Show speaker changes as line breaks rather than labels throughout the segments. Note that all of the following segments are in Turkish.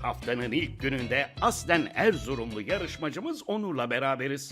haftanın ilk gününde aslen Erzurumlu yarışmacımız Onur'la beraberiz.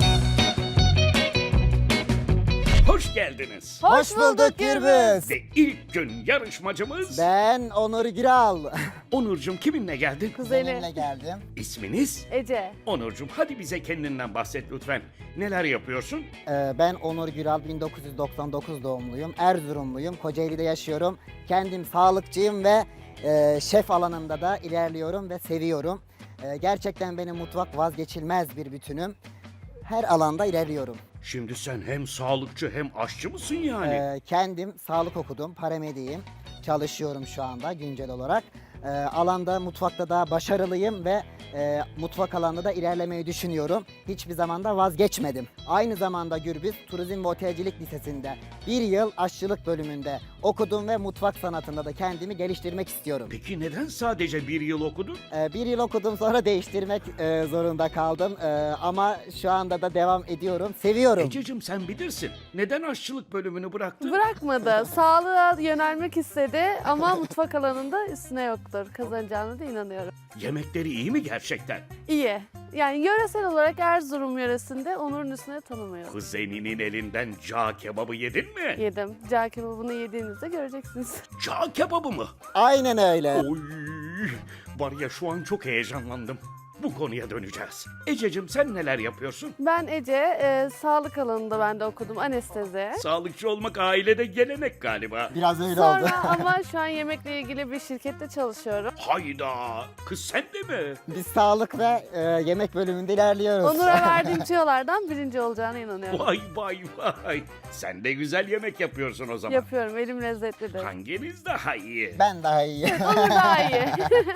Hoş geldiniz.
Hoş bulduk Gürbüz.
Ve ilk gün yarışmacımız...
Ben Onur Güral.
Onurcuğum kiminle geldin?
Kuzenimle
Kuzeni.
geldim.
İsminiz?
Ece.
Onurcuğum hadi bize kendinden bahset lütfen. Neler yapıyorsun?
Ben Onur Güral, 1999 doğumluyum. Erzurumluyum. Kocaeli'de yaşıyorum. Kendim sağlıkçıyım ve şef alanında da ilerliyorum ve seviyorum. Gerçekten benim mutfak vazgeçilmez bir bütünüm. Her alanda ilerliyorum.
Şimdi sen hem sağlıkçı hem aşçı mısın yani?
Kendim sağlık okudum, paramediyim. Çalışıyorum şu anda güncel olarak. Alanda, mutfakta da başarılıyım ve mutfak alanında da ilerlemeyi düşünüyorum. Hiçbir zaman da vazgeçmedim. Aynı zamanda Gürbüz Turizm ve Otelcilik Lisesi'nde bir yıl aşçılık bölümünde okudum ve mutfak sanatında da kendimi geliştirmek istiyorum.
Peki neden sadece bir yıl okudun?
Bir yıl okudum, sonra değiştirmek zorunda kaldım. Ama şu anda da devam ediyorum. Seviyorum.
Ececiğim sen bilirsin. Neden aşçılık bölümünü bıraktın?
Bırakmadı. Sağlığa yönelmek istedi ama mutfak alanında üstüne yoktur. Kazanacağına da inanıyorum.
Yemekleri iyi mi gerçekten?
İyi. Yani yöresel olarak Erzurum yöresinde Onur'un üstüne tanımıyorum.
Kuzeninin elinden cağ kebabı yedin mi?
Yedim. Cağ kebabını yediğinizde göreceksiniz.
Cağ kebabı mı?
Aynen öyle.
Oy, var ya şu an çok heyecanlandım. Bu konuya döneceğiz. Ececiğim sen neler yapıyorsun?
Ben Ece, sağlık alanında ben de okudum anestezi.
Sağlıkçı olmak ailede gelenek galiba.
Biraz öyle oldu.
Sonra ama şu an yemekle ilgili bir şirkette çalışıyorum.
Hayda, kız sen de mi?
Biz sağlık ve yemek bölümünde ilerliyoruz.
Onur'a verdiğim tüyolardan birinci olacağına inanıyorum.
Vay vay vay. Sen de güzel yemek yapıyorsun o zaman.
Yapıyorum, elim lezzetlidir.
Hanginiz daha iyi?
Ben daha iyi.
Onur daha iyi.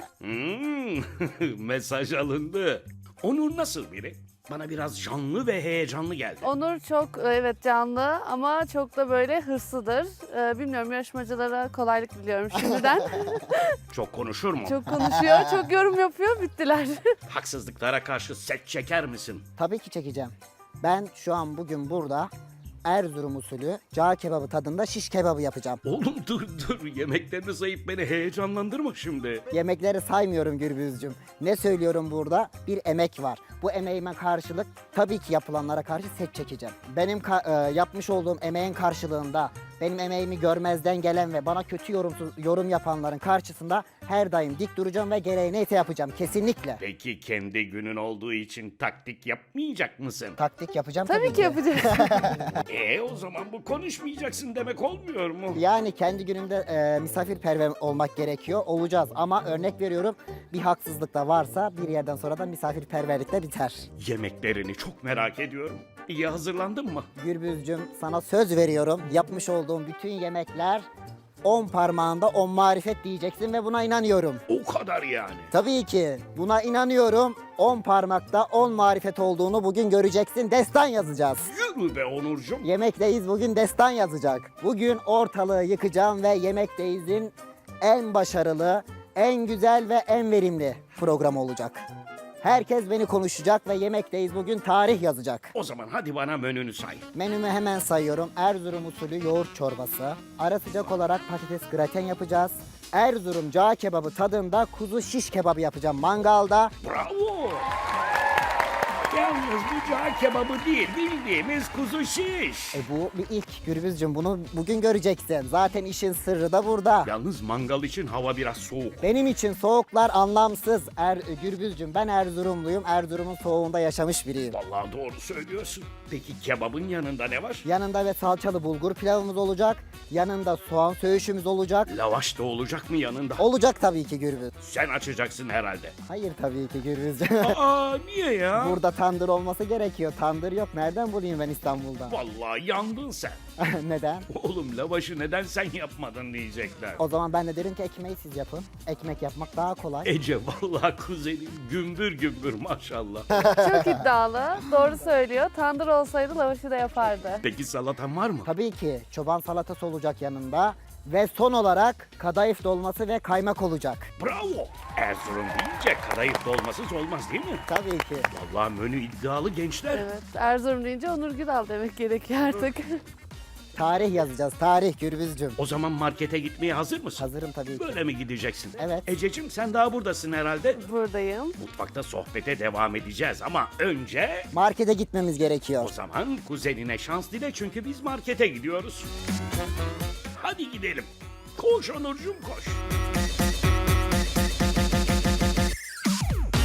Mesaj alındı. Onur nasıl biri? Bana biraz canlı ve heyecanlı geldi.
Onur çok evet canlı ama çok da böyle hırslıdır. Bilmiyorum, yarışmacılara kolaylık diliyorum şimdiden.
Çok konuşur mu?
Çok konuşuyor, çok yorum yapıyor, bittiler.
Haksızlıklara karşı set çeker misin?
Tabii ki çekeceğim. Ben şu an bugün burada Erzurum usulü cağ kebabı tadında şiş kebabı yapacağım.
Oğlum dur yemeklerini sayıp beni heyecanlandırma şimdi.
Yemekleri saymıyorum Gürbüzcüm. Ne söylüyorum burada? Bir emek var. Bu emeğime karşılık tabii ki yapılanlara karşı set çekeceğim. Benim yapmış olduğum emeğin karşılığında benim emeğimi görmezden gelen ve bana kötü yorum yapanların karşısında her daim dik duracağım ve gereği neyse yapacağım kesinlikle.
Peki kendi günün olduğu için taktik yapmayacak mısın?
Taktik yapacağım
Tabii ki yapacağız.
O zaman bu konuşmayacaksın demek olmuyor mu?
Yani kendi günümde misafirperver olmak gerekiyor. Olacağız ama örnek veriyorum, bir haksızlık da varsa bir yerden sonra da misafirperverlik de biter.
Yemeklerini çok merak ediyorum. İyi hazırlandın mı?
Gürbüzcüm, sana söz veriyorum. Yapmış olduğum bütün yemekler 10 parmağında 10 marifet diyeceksin ve buna inanıyorum.
O kadar yani.
Tabii ki buna inanıyorum. 10 parmakta 10 marifet olduğunu bugün göreceksin. Destan yazacağız.
Yürü be Onurcuğum.
Yemekteyiz bugün destan yazacak. Bugün ortalığı yıkacağım ve Yemekteyiz'in en başarılı, en güzel ve en verimli programı olacak. Herkes beni konuşacak ve Yemekteyiz bugün tarih yazacak.
O zaman hadi bana menünü say.
Menümü hemen sayıyorum. Erzurum usulü yoğurt çorbası. Ara sıcak olarak patates graten yapacağız. Erzurum cağ kebabı tadında kuzu şiş kebabı yapacağım mangalda.
Bravo. Yalnız bu cağ kebabı değil, bildiğimiz kuzu şiş.
Bu bir ilk Gürbüzcüm, bunu bugün göreceksin. Zaten işin sırrı da burada.
Yalnız mangal için hava biraz soğuk.
Benim için soğuklar anlamsız. Gürbüzcüm, ben Erzurumluyum. Erzurum'un soğuğunda yaşamış biriyim.
Vallahi doğru söylüyorsun. Peki kebabın yanında ne var?
Yanında ve salçalı bulgur pilavımız olacak. Yanında soğan söğüşümüz olacak.
Lavaş da olacak mı yanında?
Olacak tabii ki Gürbüz.
Sen açacaksın herhalde.
Hayır tabii ki Gürbüzcüm.
Aa niye ya?
Burada tandır olması gerekiyor. Tandır yok. Nereden bulayım ben İstanbul'da?
Vallahi yandın sen.
Neden?
Oğlum lavaşı neden sen yapmadın diyecekler.
O zaman ben de derim ki ekmeği siz yapın. Ekmek yapmak daha kolay.
Ece vallahi kuzenim gümbür gümbür maşallah.
Çok iddialı, doğru söylüyor. Tandır olsaydı lavaşı da yapardı.
Peki salatan var mı?
Tabii ki çoban salatası olacak yanında. Ve son olarak kadayıf dolması ve kaymak olacak.
Bravo. Erzurum deyince kadayıf dolmasız olmaz değil mi?
Tabii ki.
Vallahi menü iddialı gençler.
Evet, Erzurum deyince Onur Güral demek gerekiyor artık.
Tarih yazacağız. Tarih Gürbüzcüm.
O zaman markete gitmeye hazır mısın?
Hazırım tabii ki.
Böyle mi gideceksin?
Evet.
Ececiğim sen daha buradasın herhalde.
Buradayım.
Mutfakta sohbete devam edeceğiz ama önce...
Markete gitmemiz
O
gerekiyor.
zaman kuzenine şans dile çünkü biz markete gidiyoruz. Hadi gidelim. Koş Onurcuğum koş.